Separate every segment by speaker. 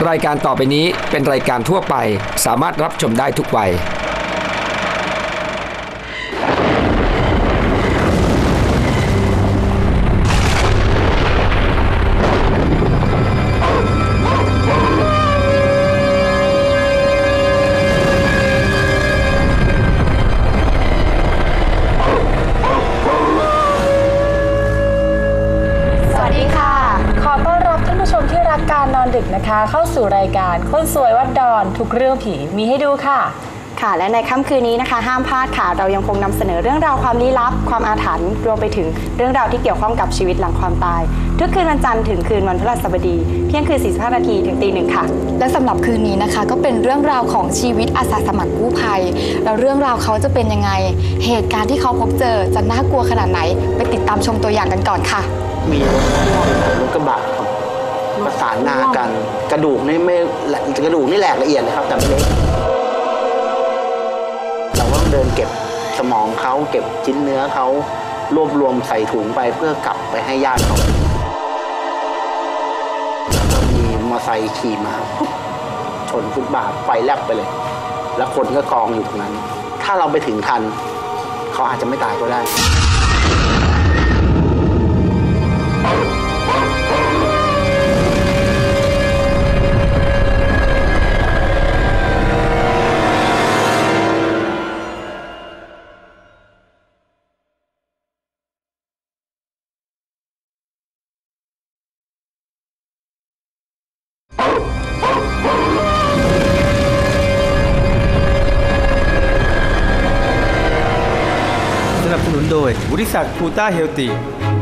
Speaker 1: รายการต่อไปนี้เป็นรายการทั่วไปสามารถรับชมได้ทุกวัย
Speaker 2: นะคะเข้าสู่รายการคนสวยวัดดอนทุกเรื่องผีมีให้ดูค่ะ
Speaker 3: ค่ะและในค่ำคืนนี้นะคะห้ามพลาดค่ะเรายังคงนำเสนอเรื่องราวความลี้ลับความอาถรรพ์รวมไปถึงเรื่องราวที่เกี่ยวข้องกับชีวิตหลังความตายทุกคืนวันจันทร์ถึงคืนวันพฤหัสบดีเที่ยงคืน45 นาทีถึงตี 1ค่ะ
Speaker 4: และสำหรับคืนนี้นะคะก็เป็นเรื่องราวของชีวิตอาสาสมัครกู้ภัยแล้วเรื่องราวเขาจะเป็นยังไงเหตุการณ์ที่เขาพบเจอจะน่ากลัวขนาดไหนไปติดตามชมตัวอย่างกันก่อนค่ะ
Speaker 5: มีรถกระบะครับประสานงากันกระดูกนี่ไม่กระดูกนี่แหลกละเอียดเลยครับแต่ไม่เล็กเราก็ต้องเดินเก็บสมองเขาเก็บชิ้นเนื้อเขารวบรวมใส่ถุงไปเพื่อกลับไปให้ญาติเขาแล้วก็มีมอเตอร์ไซค์ขี่มาชนฟุตบาทไฟแลบไปเลยแล้วคนก็กองอยู่ตรงนั้นถ้าเราไปถึงทันเขาอาจจะไม่ตายก็ได้
Speaker 6: สนับสนุนโดยบริษัทพูต้าเฮลตี้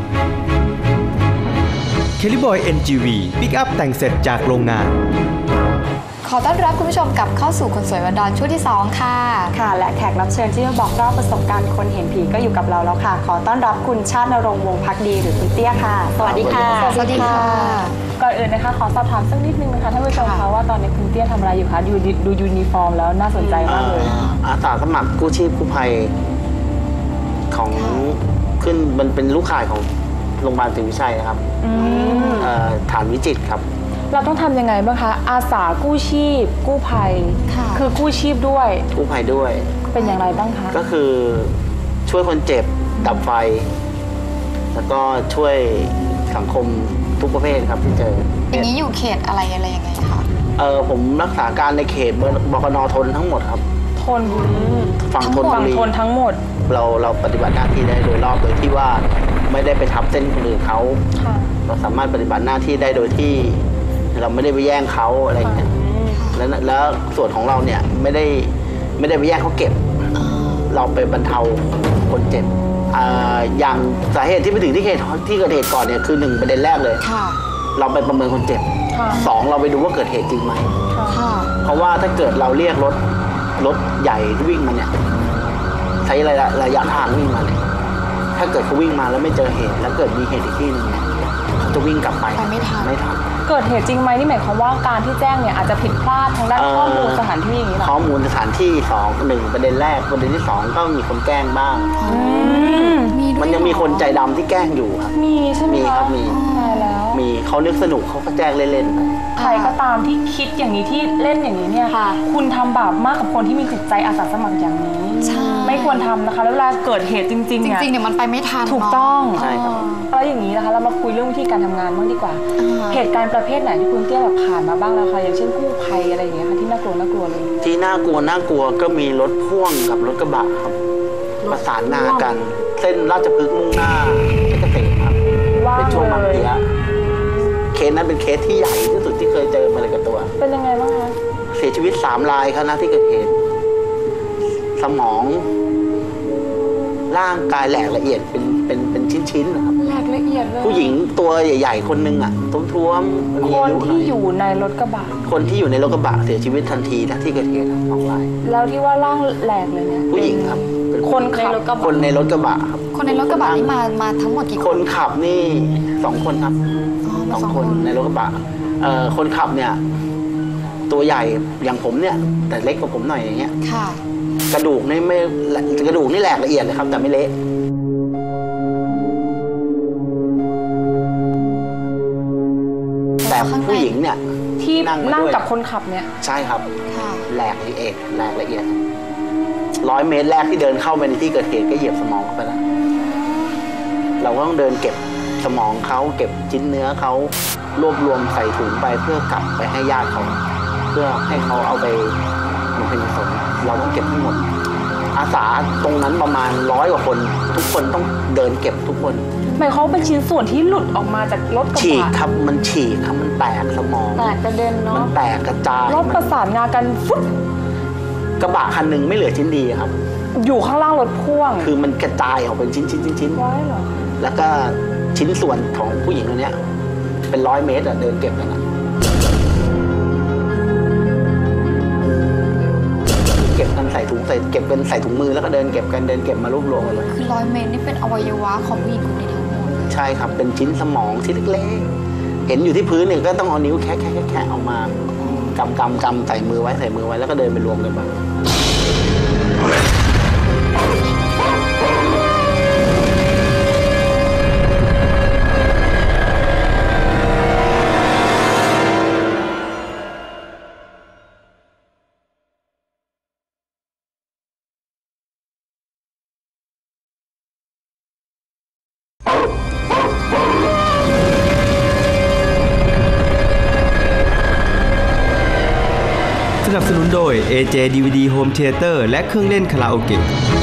Speaker 6: เคลิบอย NGV ปิกอัพแต่งเสร็จจากโรงงาน
Speaker 4: ขอต้อนรับคุณผู้ชมกลับเข้าสู่คนสวยวันดอนช่วงที่2ค่ะ
Speaker 3: ค่ะและแขกรับเชิญที่จะบอกเล่าประสบการณ์คนเห็นผีก็อยู่กับเราแล้วค่ะขอต้อนรับคุณชาติณรงค์วงศ์ภักดีหรือคุณเตี้ยค่ะสวัสดีค่ะ
Speaker 4: สวัสดีค่ะ
Speaker 2: ก่อนอื่นนะคะขอสอบถามสักนิดนึงนะคะท่านผู้ชมคะว่าตอนนี้คุณเตี้ยทำอะไรอยู่คะดูยูนิฟอร์มแล้วน่าสนใจมากเลย
Speaker 5: อาสาสมัครกู้ชีพกู้ภัยของขึ้นมันเป็นลูกข่ายของโรงพยาบาลศรีวิชัยนะครับฐานวิจิตรครับ
Speaker 2: เราต้องทำยังไงบ้างคะอาสากู้ชีพกู้ภัยคือกู้ชีพด้วย
Speaker 5: กู้ภัยด้วย
Speaker 2: เป็นอย่างไรบ้างคะ
Speaker 5: ก็คือช่วยคนเจ็บดับไฟแล้วก็ช่วยสังคมทุกประเภทครับที่เจอ
Speaker 4: อย่างนี้อยู่เขตอะไรยังไงคะ
Speaker 5: ผมรักษาการในเขตบกน.ทนทั้งหมดครับ
Speaker 2: ทน
Speaker 5: ฝั่งทน
Speaker 2: ทั้งหมด
Speaker 5: เราปฏิบัติหน้าที่ได้โดยรอบโดยที่ว่าไม่ได้ไปทับเส้นคนอื่นเขาเราสามารถปฏิบัติหน้าที่ได้โดยที่เราไม่ได้ไปแย่งเขาอะไรอย่างเงี้ยแล้วส่วนของเราเนี่ยไม่ได้ไปแย่งเขาเก็บเราไปบรรเทาคนเจ็บอย่างสาเหตุที่ไปถึงที่เกิดเหตุก่อนเนี่ยคือ1ประเด็นแรกเลยเราไปประเมินคนเจ็บ2เราไปดูว่าเกิดเหตุจริงไหมเพราะว่าถ้าเกิดเราเรียกรถใหญ่ที่วิ่งมาเนี่ยใช้ระยะทางวิ่งมาเนี่ยถ้าเกิดเขาวิ่งมาแล้วไม่เจอเหตุแล้วเกิดมีเหตุอีกที่นึงเนี่ยเขาจะวิ่งกลับไป
Speaker 4: ไม่ทัน
Speaker 2: เกิดเหตุจริงไหมนี่หมายความว่าการที่แจ้งเนี่ยอาจจะผิดพลาดทางด้านข้อมูลสถานที่อย่างนี้หรอ
Speaker 5: ข้อมูลสถานที่1ประเด็นแรกประเด็นที่2ก็มีคนแกล้งบ้างมันยังมีคนใจดำที่แกล้งอยู่ครับ
Speaker 2: มีใช่ไหม
Speaker 5: ครับมี
Speaker 2: แล้ว
Speaker 5: มีเขานึกสนุกเขาก็แจ้งเล่นๆไป
Speaker 2: ใครก็ตามที่คิดอย่างนี้ที่เล่นอย่างนี้เนี่ยคุณทำบาปมากกับคนที่มีจิตใจอาสาสมัครอย่างนี้ไม่ควรทำนะคะแล้วเวลาเกิดเหตุจริงๆ
Speaker 4: เนี่ยมันไปไม่ทัน
Speaker 2: ถูกต้อง
Speaker 5: ใช่ครับ
Speaker 2: แล้วอย่างนี้นะคะเรามาคุยเรื่องวิธีการทำงานบ้างดีกว่าเหตุการณ์ประเภทไหนที่คุณเตี้ยแบบผ่านมาบ้างแล้วคะอย่างเช่นกู้ภัยอะไรอย่างเงี้ยค่ะที่น่ากลัวเลย
Speaker 5: ที่น่ากลัวก็มีรถพ่วงกับรถกระบะครับประสานงากันเส้นราชพฤกษ์มุ่งหน้าเพชรเกษมครับเป็นช่วงบางเทียเคสนั้นเป็นเคสที่ใหญ่ที่สุดที่เคยเจอมาเลยกับตัว
Speaker 2: เป็นยังไงบ้างคะ
Speaker 5: เสียชีวิต3 รายครับนะที่เกิดเหตุสมองร่างกายแหลกละเอียดเป็นชิ้นๆนะครับ
Speaker 2: แหลกละเอียดเลย
Speaker 5: ผู้หญิงตัวใหญ่ๆคนนึงอ่ะท้วม
Speaker 2: ๆคนที่อยู่ในรถกระบะ
Speaker 5: เสียชีวิททันทีนะที่เกิดเหตุ2 ราย
Speaker 2: แล้วที่ว่าร่างแหลกเลยเนี่ย
Speaker 5: ผู้หญิงครับ
Speaker 2: คนขับ
Speaker 5: คนในรถกระบะครับ
Speaker 4: คนในรถกระบะนี่มาทั้งหมดกี่
Speaker 5: คนขับนี่2 คนครับ2 คนในรถกระบะคนขับเนี่ยตัวใหญ่อย่างผมเนี่ยแต่เล็กกว่าผมหน่อยอย่างเงี้ยกระดูกนี่แหลกละเอียดเลยครับแต่ไม่เละแต่ผู้หญิงเนี่ยท
Speaker 2: ที่
Speaker 5: นั่ง
Speaker 2: นั่ง
Speaker 5: ด้วย
Speaker 2: กับคนขับเนี่ย
Speaker 5: ใช่ครับ
Speaker 4: ค่ะ
Speaker 5: แหลกละเอียด100 เมตรแรกที่เดินเข้าไปในที่เกิดเหตุก็เหยียบสมองเข้าไปแล้วเราก็ต้องเดินเก็บสมองเขาเก็บชิ้นเนื้อเขารวบรวมใส่ถุงไปเพื่อกลับไปให้ญาติเขาเพื่อให้เขาเอาไปบำเพ็ญกุศลเราต้องเก็บให้หมด อาสาตรงนั้นประมาณ100 กว่าคน ทุกคนต้องเดินเก็บทุกคน
Speaker 2: หมายความว่าเป็นชิ้นส่วนที่หลุดออกมาจากรถกระ
Speaker 5: ฉีก
Speaker 2: บะ
Speaker 5: ครับมันฉีกครับมันแตกสมอง
Speaker 2: แตกกระเด็น
Speaker 5: มั
Speaker 2: เนาะ
Speaker 5: นแตกกระจาย
Speaker 2: รถประสานงากันฟุ๊บ
Speaker 5: กระบะคันหนึ่งไม่เหลือชิ้นดีครับ
Speaker 2: อยู่ข้างล่างรถพ่วง
Speaker 5: คือมันกระจายออกเป็นชิ้น
Speaker 2: ไว้เหรอ
Speaker 5: แล้วก็ชิ้นส่วนของผู้หญิงคนนี้เป็น100 เมตรเดินเก็บกันนะเก็บกันใส่ถุงเก็บเป็นใส่ถุงมือแล้วก็เดินเก็บกันเดินเก็บมารวบรวมกันเลย
Speaker 4: คือ100 เมตรนี่เป็นอวัยวะของผู้หญิงคนนี้ทั้งหมดเลย
Speaker 5: ใช่ครับเป็นชิ้นสมองที่เล็กๆเห็นอยู่ที่พื้นเนี่ยก็ต้องเอานิ้วแคะออกมากำใส่มือไว้แล้วก็เดินไปรวมกันมา
Speaker 6: สนับสนุนโดย AJ DVD Home Theater และเครื่องเล่นคาราโอเกะ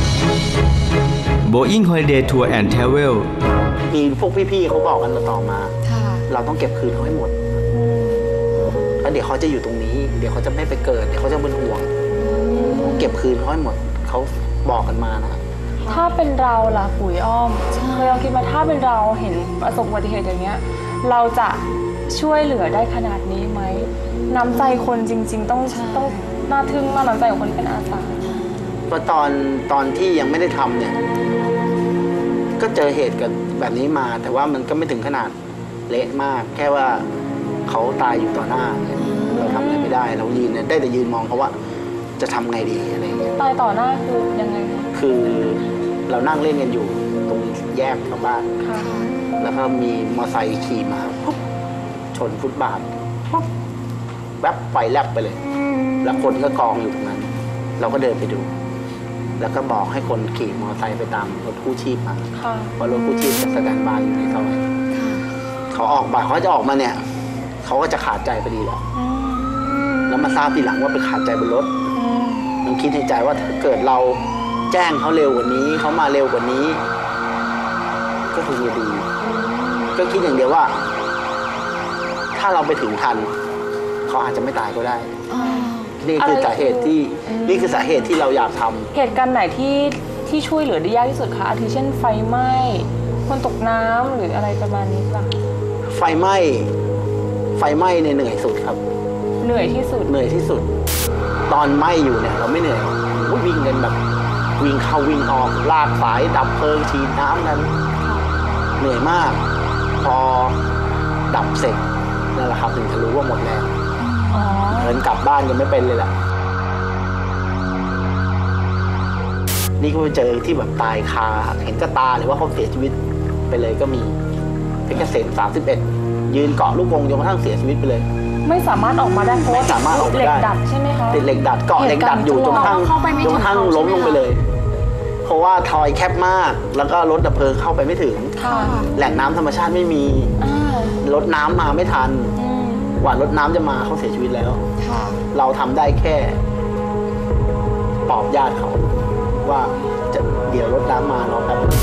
Speaker 6: Boeing Holiday Tour and Travel
Speaker 5: มีพวกพี่ๆเขาบอกกันต่อมา
Speaker 4: ค่ะ
Speaker 5: เราต้องเก็บคืนเขาให้หมดแล้วเดี๋ยวเขาจะอยู่ตรงนี้ เดี๋ยวเขาจะไม่ไปเกิดเดี๋ยวเขาจะเป็นห่วงเก็บคืนเขาให้หมดเขาบอกกันมานะ
Speaker 2: ถ้าเป็นเราล่ะปุ๋ยอ้อมเคยลองคิดมาถ้าเป็นเราเห็นประสบอุบัติเหตุอย่างเงี้ยเราจะช่วยเหลือได้ขนาดนี้ไหมน้ำใจคนจริงๆต้องน่าทึ่งมากน้ำใจของคนที่เป็นอาสา
Speaker 5: เพราะตอนที่ยังไม่ได้ทำเนี่ยก็เจอเหตุกันแบบนี้มา แต่ว่ามันก็ไม่ถึงขนาดเละมาก แค่ว่าเขาตายอยู่ต่อหน้าเนี่ยเราทำอะไรไม่ได้เรายืนเนี่ยได้แต่ยืนมองเขาว่าจะทำไงดีอะไรเงี้ย
Speaker 2: ตายต่อหน้าคือยังไงคะ
Speaker 5: คือเรานั่งเล่นกันอยู่ตรงแยกเข้าบ้าน
Speaker 2: ค่ะ
Speaker 5: แล้วก็มีมอไซค์ขี่มาปุ๊บชนฟุตบาทปุ๊บแวบไฟแลบไปเลย แล้วคนก็กองอยู่ตรงนั้น เราก็เดินไปดู แล้วก็บอกให้คนขี่มอไซค์ไปตามรถกู้ชีพมา
Speaker 2: ค่ะ
Speaker 5: เพราะรถกู้ชีพจะสแตนด์บายอยู่ในซอยเขาออกมาเขาจะออกมาเนี่ยเขาก็จะขาดใจพอดีแล้วแล้วมาทราบทีหลังว่าไปขาดใจบนรถมันคิดในใจว่าถ้าเกิดเราแจ้งเขาเร็วกว่านี้เขามาเร็วกว่านี้ ก็คงจะดีก็คิดอย่างเดียวว่า ถ้าเราไปถึงทันเขาอาจจะไม่ตายก็ได้ นี่คือสาเหตุที่เราอยากทำ
Speaker 2: เหตุการณ์ไหนที่ช่วยเหลือได้ยากที่สุดคะอาทิเช่นไฟไหม้คนตกน้ำหรืออะไรประมาณนี้ป่ะ
Speaker 5: ไฟไหม้เนี่ยเหนื่อยสุดครับ
Speaker 2: เหนื่อยที่สุด
Speaker 5: เหนื่อยที่สุด ตอนไหม้อยู่เนี่ยเราไม่เหนื่อยก็วิ่งกันแบบวิ่งเข้าวิ่งออกลากสายดับเพลิงฉีดน้ำกันเหนื่อยมาก พอดับเสร็จนั่นแหละครับถึงจะรู้ว่าหมดแล้วเดินกลับบ้านยังไม่เป็นเลยแหละนี่ก็ไปเจอที่แบบตายคาเห็นกระตาหรือว่าเขาเสียชีวิตไปเลยก็มีเพชรเกษม31ยืนเกาะลูกกรงจนกระทั่งเสียชีวิตไปเลย
Speaker 2: ไม่สามารถออกมาได้เพราะ
Speaker 5: ไม่สามารถออกมาได้
Speaker 2: เหล็กดัดใช่ไหมคะ
Speaker 5: ติดเหล็กดัดเกาะเหล็กดัดอยู่จนกระทั่ง
Speaker 2: เข้าไปไม่ถึง
Speaker 5: จนกระทั่งล้มลงไปเลย เพราะว่าทอยแคบมากแล้วก็รถดับเพลิงเข้าไปไม่ถึง
Speaker 2: ค่ะ
Speaker 5: แหล่งน้ำธรรมชาติไม่มี รถน้ำมาไม่ทันกว่ารถน้ำจะมาเขาเสียชีวิตแล้ว
Speaker 4: ค่ะ
Speaker 5: เราทำได้แค่ปลอบญาติเขาว่าจะเดี๋ยวรถน้ำมารอแป๊บนึง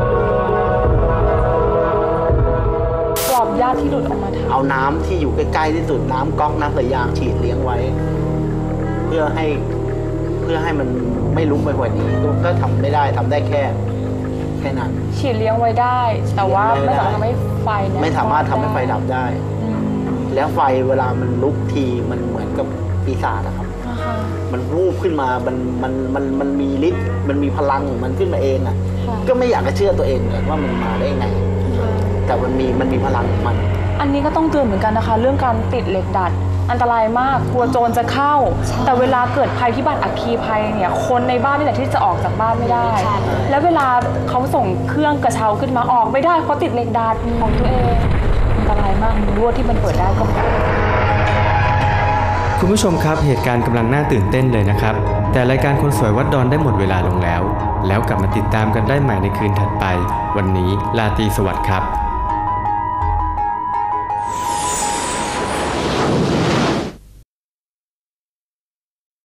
Speaker 2: ปลอบญาติที่หลุดออกมาทัน
Speaker 5: เอาน้ำที่อยู่ใกล้ๆที่สุดน้ำก๊อกน้ำสายยางฉีดเลี้ยงไว้ เพื่อให้มันไม่ลุกไปกว่านี้ก็ทำไม่ได้ทำได้แค่นั้น
Speaker 2: ฉีดเลี้ยงไว้ได้ แต่ว่าไม่สามารถทำให้ไฟเนี่ย
Speaker 5: ไม่สามารถทำให้ไฟดับได้ แล้วไฟเวลามันลุกทีมันเหมือนกับปีศาจอะครับ
Speaker 2: นะคะ
Speaker 5: มันวูบขึ้นมามันมีฤทธิ์มันมีพลังของมันขึ้นมาเองอะก็ไม่อยากจะเชื่อตัวเองเลยว่ามันมาได้ยังไง แต่มันมีพลังของมัน
Speaker 2: อันนี้ก็ต้องเตือนเหมือนกันนะคะ เรื่องการติดเหล็กดัดอันตรายมากกลัวโจรจะเข้า แต่เวลาเกิดภัยพิบัติอัคคีภัยเนี่ยคนในบ้านนี่แหละที่จะออกจากบ้านไม่ได้ แล้วเวลาเขาส่งเครื่องกระเช้าขึ้นมาออกไม่ได้เพราะติดเหล็กดัดของตัวเองอันตรายมากรั้วที่มันเปิดได้ก็
Speaker 6: คุณผู้ชมครับเหตุการณ์กำลังน่าตื่นเต้นเลยนะครับแต่รายการคนสวยวัดดอนได้หมดเวลาลงแล้วกลับมาติดตามกันได้ใหม่ในคืนถัดไปวันนี้ราตรีสวัสดิ์ครับ